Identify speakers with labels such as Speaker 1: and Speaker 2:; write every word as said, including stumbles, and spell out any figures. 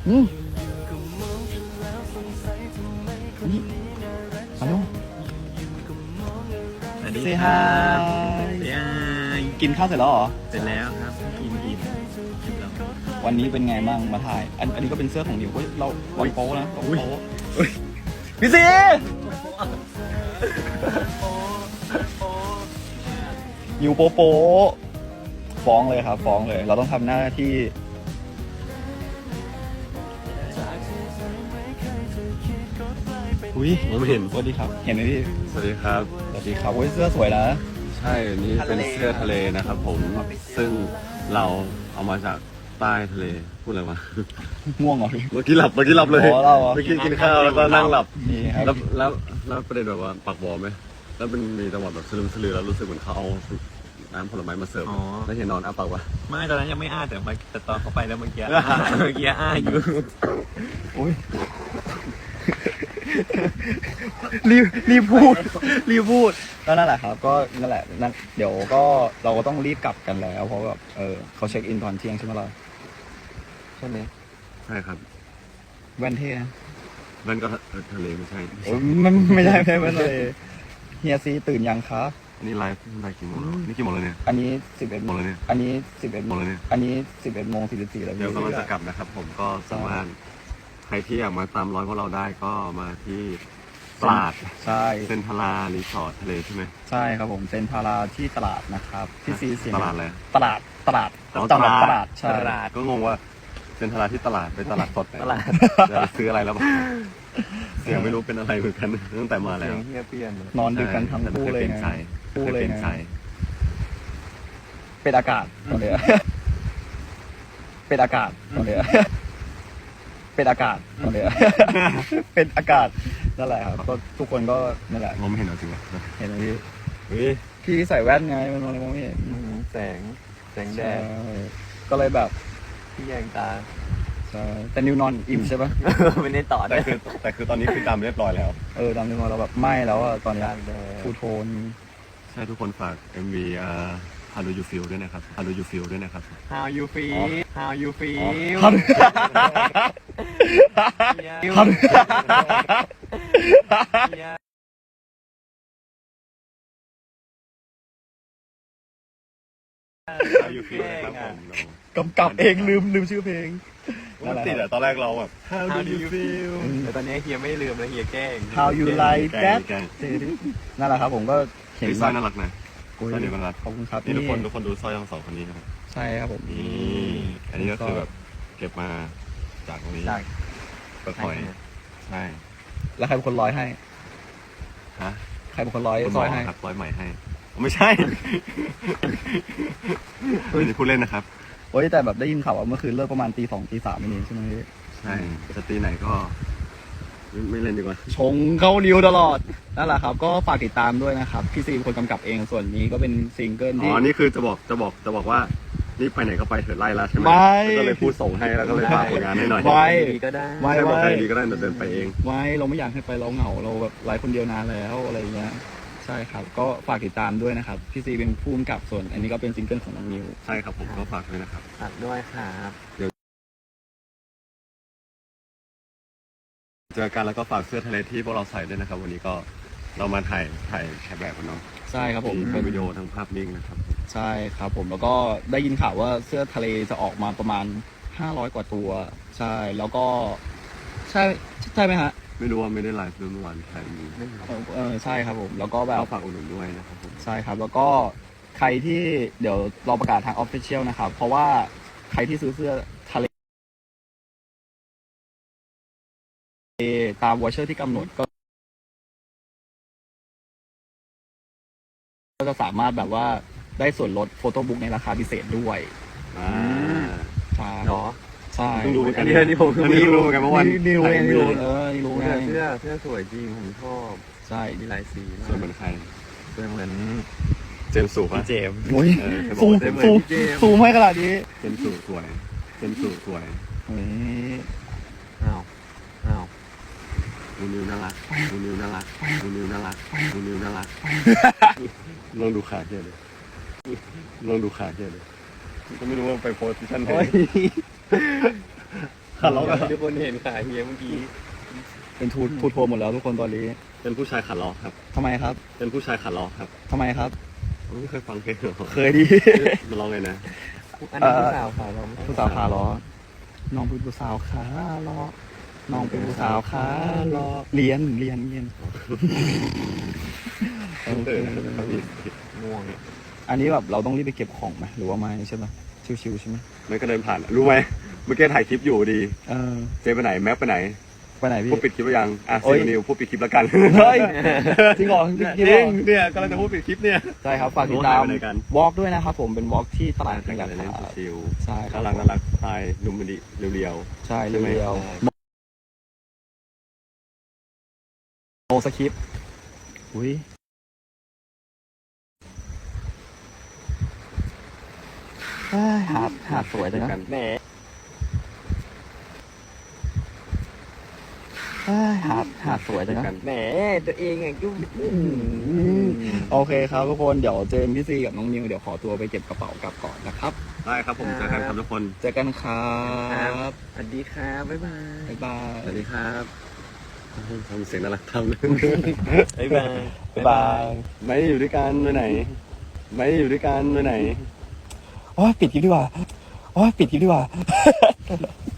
Speaker 1: อืมนี่ฮัลโหล
Speaker 2: สวัสดี
Speaker 1: เซ
Speaker 2: ค
Speaker 1: ฮา
Speaker 2: รับ
Speaker 1: ยกินข้าวเสร็จแล้วเหรอ
Speaker 2: เสร็จแล้วครับกินอิ่มเรียบร้อย
Speaker 1: วันนี้เป็นไงบ้างมาถ่าย อันอันนี้ก็เป็นเสื้อของนิวเฮ้ยเราวันโป๊นะเราโป๊พี่ซีนิวโป๊โป๊ฟ้องเลยครับ ฟ้องเลย เราต้องทำหน้าที่อุ้ย
Speaker 3: ผมเห็น
Speaker 1: สวัสดีครับ เห็นไหมพี่
Speaker 3: สวัสดีครับ
Speaker 1: สวัสดีครับโอ้ยเสื้อสวยนะ
Speaker 3: ใช่นี่เป็นเสื้อทะเลนะครับผมซึ่งเราเอามาจากใต้ทะเลพูดอะไรวะ
Speaker 1: ง่วงเหรอพี่
Speaker 3: เมื่อกี้หลับเมื่อกี้หลับเลย
Speaker 1: อ๋อเราเหรอ
Speaker 3: เมื่อกี้กินข้าวแล้วก็นั่งหลับ
Speaker 1: นี่ครับ
Speaker 3: แล้วแล้วแล้วประเด็นแบบว่าปักบอไหมแล้วเป็นมีจังหวะแบบสลืมสลือแล้วรู้สึกเหมือนเขาเอาน้ำผลไม้มาเสิร์ฟแล้วเห็นนอนอ้าปากวะ
Speaker 2: ไม่ตอนนั้นยังไม่อ้าแต่มาแต่ตอนเข้าไปแล้วเมื่อกี้เมื่อกี้อ้าอยู่
Speaker 1: อุ้ยรีบรีบพูดรีบพูดก็นั่นแหละครับ ก็นั่นแหละนั่นเดี๋ยวก็เราก็ต้องรีบกลับกันแล้ว เพราะแบบเออเขาเช็คอินตอนเที่ยงใช่ไหมล่ะใช่ไหม
Speaker 3: ใช่ครับ
Speaker 1: แว่นเท่นะ
Speaker 3: นั่นก็ทะเลไม่ใช่
Speaker 1: โอ้ยมันไม่ได้ไม่ได้แว่นเลยเฮียซีตื่นยังคะ
Speaker 3: อันนี้ไลฟ์ไลฟ์กี่โมงแล้วนี่กี่โมงแล้วเนี่ย
Speaker 1: อันนี้สิบเอ็ด
Speaker 3: หมดเลยเนี่ย
Speaker 1: อันนี้สิบเอ็ด
Speaker 3: หมดเลยเนี่ย
Speaker 1: อันนี้สิบเอ็ดโมงสี่สิบสี่แล้ว
Speaker 3: เดี๋ยวกำลังจะกลับนะครับ ผมก็สามารถใครที่อยากมาตามร้อยพวกเราได้ก็มาที่ตลาด
Speaker 1: ใช่
Speaker 3: เซนทารารีสอร์ททะเลใช่ไหม
Speaker 1: ใช่ครับผมเซ็นทาราที่ตลาดนะครับที่ซีเสียง
Speaker 3: ตลาดอะไร
Speaker 1: ตลาดตลาด
Speaker 3: อ๋อ
Speaker 1: ตลาดตลาดใช่
Speaker 2: ตลาด
Speaker 3: ก็งงว่าเซ็นทรัลที่ตลาดไปตลาดสดไหน
Speaker 2: ตลาด
Speaker 3: จะไปซื้ออะไรแล้วบ้างเสียงไม่รู้เป็นอะไรเหมือนกันตั้งแต่มาแล้ว
Speaker 2: เฮียเปลี่ยน
Speaker 1: นอนดึกกันทั้งคู่เลย
Speaker 3: เป็น
Speaker 1: ไง
Speaker 3: ใจ
Speaker 1: คู่
Speaker 3: เคย
Speaker 1: เลย
Speaker 3: เป็น
Speaker 1: ไง
Speaker 3: ใจ
Speaker 1: เป็นอากาศตอนเนี้ยเป็นอากาศตอนเนี้ยเป็นอากาศตอนเนี้ยเป็นอากาศนั่นแหละครับก็ทุกคนก็นั่นแหละ
Speaker 3: ผมไม่เห็นเอาจริงเหรอ
Speaker 1: เห็นไหมพี่
Speaker 3: เฮ้ย
Speaker 1: พี่ใส่แว่นไงมันมองไม่เห็น
Speaker 2: แสงแสงแด
Speaker 1: ใช่
Speaker 2: ด
Speaker 1: ก็เลยแบบ
Speaker 2: ที่แยงตา
Speaker 1: ใช่แต่นิวนอนอิ่มใช่ปะ
Speaker 2: ไม่ได้ต่อ
Speaker 3: แต่คือแต่คือตอนนี้คือดำเรียบร้อยแล้ว
Speaker 1: เออตามที่เราแบบไหม้แล้วอะตอนเนี้ย
Speaker 2: การแดด
Speaker 1: ทูโทน
Speaker 3: ใช่ทุกคนฝาก เอ็ม วี อ่า How do you feel ด้วยนะครับ How do you feel ด้วยนะครับ
Speaker 2: How you feel How you feel
Speaker 1: ฮัล ฮัล
Speaker 3: How you feel นะครับผม
Speaker 1: กำกับเองลืมลืมชื่อเพลง
Speaker 3: มันติดอะตอนแรกเราแบบ How
Speaker 2: How
Speaker 3: do
Speaker 2: do
Speaker 3: you
Speaker 2: you
Speaker 3: feel
Speaker 2: แต่ตอนนี้เฮียไม่ลืมแล้วเฮียแกล้ง
Speaker 1: How you like
Speaker 3: แกล้
Speaker 1: that
Speaker 3: งแกล้ง
Speaker 1: นั่นแหละครับผมก็เห็น
Speaker 3: นี่สร้อยน่ารักนะ
Speaker 1: โอ้ย
Speaker 3: สร้อยเดียวกันรัก
Speaker 1: ขอบคุณครับ
Speaker 3: นี่ทุกคนทุกคนดูสร้อยทั้งสองคนนี้นะครับ
Speaker 1: ใช่ครับผม
Speaker 3: นี่อันนี้ก็คือแบบเก็บมาจากตรงนี้
Speaker 2: จาก
Speaker 3: เปิดหอยใช่
Speaker 1: แล้วใครเป็นคนร้อยให้
Speaker 3: ฮะ
Speaker 1: ใครเป็นคนร้อย
Speaker 3: คุณห
Speaker 1: ซ
Speaker 3: ม
Speaker 1: อ
Speaker 3: อย
Speaker 1: ให้
Speaker 3: ครับร้อยใหม่ให้ ไม่ใช่ ไม่ได้พูดเล่นนะครับ
Speaker 1: โอ้ยแต่แบบได้ยินข่าวว่าเมื่อคืนเลิกประมาณตีสองตีสามนี่ใช่ไหมพี่
Speaker 3: ใช่จะตีไหนก็ไม่ไม่เล่นดีกว่า
Speaker 1: ชงเข้านิ้วตลอดนั่นแหละครับก็ฝากติดตามด้วยนะครับพี่ซีเป็นคนกำกับเองส่วนนี้ก็เป็นซิงเกิล
Speaker 3: อ๋
Speaker 1: ที่
Speaker 3: อ นี่คือจะบอกจะบอกจะบอกว่านี่ไปไหนก็ไปเถิดไล่แล้วใช่ไหม
Speaker 1: ไม่
Speaker 3: ก็เลยพูดส่งให้แล้วก็เลยฝากผลงานให้หน่อย
Speaker 1: ไว้
Speaker 2: ดีก็ได้
Speaker 1: ไว้
Speaker 3: ให้บอก
Speaker 1: ไว้
Speaker 3: ใครดีก็ได้เดี๋ยวเดินไปเอง
Speaker 1: ไว้เราไม่อยากให้ไปเราเหงาเราแบบไลฟ์คนเดียวนานแล้วอะไรอย่างเงี้ยใช่ครับก็ฝากติดตามด้วยนะครับพี่ซีเป็นผู้กำกับส่วน อันนี้ก็เป็นซิงเกิลของน้องนิว
Speaker 3: ใช่ครับผมก็ฝากด้วยนะครับ
Speaker 2: ฝากด้วยครับ
Speaker 3: เจอกันแล้วก็ฝากเสื้อทะเลที่พวกเราใส่ด้วยนะครับ วันนี้ก็เรามาถ่ายถ่ายแคปแบบกันเนาะ
Speaker 1: ใช่ครับผม
Speaker 3: ทั้งวิดีโอทั้งภาพนิ่งนะครับ
Speaker 1: ใช่ครับผมแล้วก็ได้ยินข่าวว่าเสื้อทะเลจะออกมาประมาณห้าร้อยกว่าตัว ใช่แล้วก็ ใช่ใช่ไหมฮะ
Speaker 3: ไม่รู้ว่าไม่ได้ไลฟ์เมื่อวานใครมี
Speaker 1: เออเออใช่ครับผมแล้วก็แบบ
Speaker 3: ก็ฝากอุดหนุนด้วยนะครับผม
Speaker 1: ใช่ครับ แล้วก็ใครที่เดี๋ยวรอประกาศทางออฟฟิเชียลนะครับ เพราะว่าใครที่ซื้อเสื้อทะเลตามวอเชอร์ที่กำหนดก็ก็จะสามารถแบบว่าได้ส่วนลดโฟโต้บุ๊กในราคาพิเศษด้วย
Speaker 3: อ่า
Speaker 1: ใช่
Speaker 2: เนาะ
Speaker 1: ใช่
Speaker 3: เพิ่งรู้เหมือนกัน
Speaker 2: อันนี้อันนี้ผม
Speaker 3: อันนี้เพิ่งรู้เหมือนกันเมื่อวาน
Speaker 1: นี่รู้ไง
Speaker 3: ถ่าย
Speaker 1: นี่รู้
Speaker 3: เลย
Speaker 1: เออนี่รู้ไง
Speaker 2: เสื้อเสื้อสวยจริงผมชอบ
Speaker 1: ใช่
Speaker 2: มีหลายสีมา
Speaker 3: ส่วน
Speaker 2: ก
Speaker 3: เหมือนใคร
Speaker 2: เสื้อเหมือน
Speaker 3: เจมส์สูป่ะ
Speaker 2: พี่เจมส์
Speaker 1: โอ้ย
Speaker 3: เออเคยบ
Speaker 1: ซู
Speaker 3: อก
Speaker 1: ม
Speaker 3: ว่าเจมส์
Speaker 1: ซูม
Speaker 2: พี่เจมส์
Speaker 1: ซูมให้ขนาดนี้
Speaker 3: เจมส์สูสวยเจมส์สูสวย
Speaker 1: โอ้ย
Speaker 2: อ้าวอ้าว
Speaker 3: นูนิวน่ารักนูนิวน่ารักนูนิวน่ารักนูนิวน่ารักลองดูขาเกียเลยลองดูขาเกียเลยก็ไม่รู้ว่าไปโพสชั่นไหน
Speaker 1: ข
Speaker 3: ทะเลาะกัน
Speaker 2: ทุกคนเห็นขาเฮียเมื่อกี้
Speaker 1: เป็นทูทูทัวร์หมดแล้วทุกคนตอนนี้
Speaker 3: เป็นผู้ชายขาล้อครับ
Speaker 1: ทำไมครับ
Speaker 3: เป็นผู้ชายขาล้อครับ
Speaker 1: ทำไมครับ
Speaker 3: ไม่เคยฟังเพลงเหรอ
Speaker 1: เคยดี
Speaker 3: มาลองเลยนะ
Speaker 2: อันนี้ผู้สาวขาเรา
Speaker 1: ผู้สาวขาล้อน้องเป็นผู้สาวขาล้อน้องเป็นผู้สาวขาล้อเรียนเรียนเรียนโอเค
Speaker 2: ง่วง
Speaker 1: อันนี้แบบเราต้องรีบไปเก็บของไหมหรือว่าไม่ใช่ไหมชิวๆใช่ไหม
Speaker 3: ไม่ก็เดินผ่าน รู้ไหมเมื่อกี้ถ่ายคลิปอยู่ดี
Speaker 1: เออ
Speaker 3: เจไปไหนแม็กไปไหน
Speaker 1: ไปไหนพี่
Speaker 3: พูดปิดคลิปไปยังอ่ะ
Speaker 1: โอ้
Speaker 3: ซี
Speaker 1: ย
Speaker 3: นิวพูดปิดคลิปแล้วกัน
Speaker 1: เฮ้ยจริงเหรอจริง
Speaker 3: จ
Speaker 1: เหร
Speaker 3: ริ
Speaker 1: อง
Speaker 3: เนี่ยกำลังจะพูดปิดคลิปเนี่ย
Speaker 1: ใช่ครับฝากติดตาม
Speaker 3: โอ้หายไปไหนกัน
Speaker 1: วอล์กด้วยนะครับผมเป็นวอล์กที่ตลาด
Speaker 3: แต่
Speaker 1: แห่ง
Speaker 3: ง
Speaker 1: การ
Speaker 3: เล่น
Speaker 1: ค้า
Speaker 3: ชิว
Speaker 1: ใช่ครั
Speaker 3: น่า
Speaker 1: บ
Speaker 3: รักน่ารักสไตล์หนุ่มมันดีเรียว
Speaker 1: ใช่
Speaker 3: ใช่ไหม
Speaker 1: เรียวๆโนสคริปต์อุ้ยเอ้ยหาดหาดสวย
Speaker 3: ๆ
Speaker 1: จังนะ
Speaker 3: กัน
Speaker 2: แหม
Speaker 1: เอ้ยหาดหาดสวยจังนะ
Speaker 2: แหมตัวเองอ่ะยุ่ง
Speaker 1: โอเคครับทุกคนเดี๋ยวเจมส์พี่ซีกับน้องนิวเดี๋ยวขอตัวไปเก็บกระเป๋ากลับก่อนนะครับ
Speaker 3: ได้ครับผมเจอกันครับทุกคน
Speaker 1: เจอกันครับ
Speaker 2: สวัสดีครับบ๊ายบาย
Speaker 1: บ๊ายบาย
Speaker 3: สวัสดีครับทำเสียงน่ารักทำเลย
Speaker 2: บ๊ายบาย
Speaker 1: บ๊ายบาย
Speaker 3: ไม่อยู่ด้วยกันไปไหน ไม่อยู่ด้วยกันไปไหน
Speaker 1: โอ้ยปิดคลิปดีกว่าโอ้ยปิดคลิปดีกว่า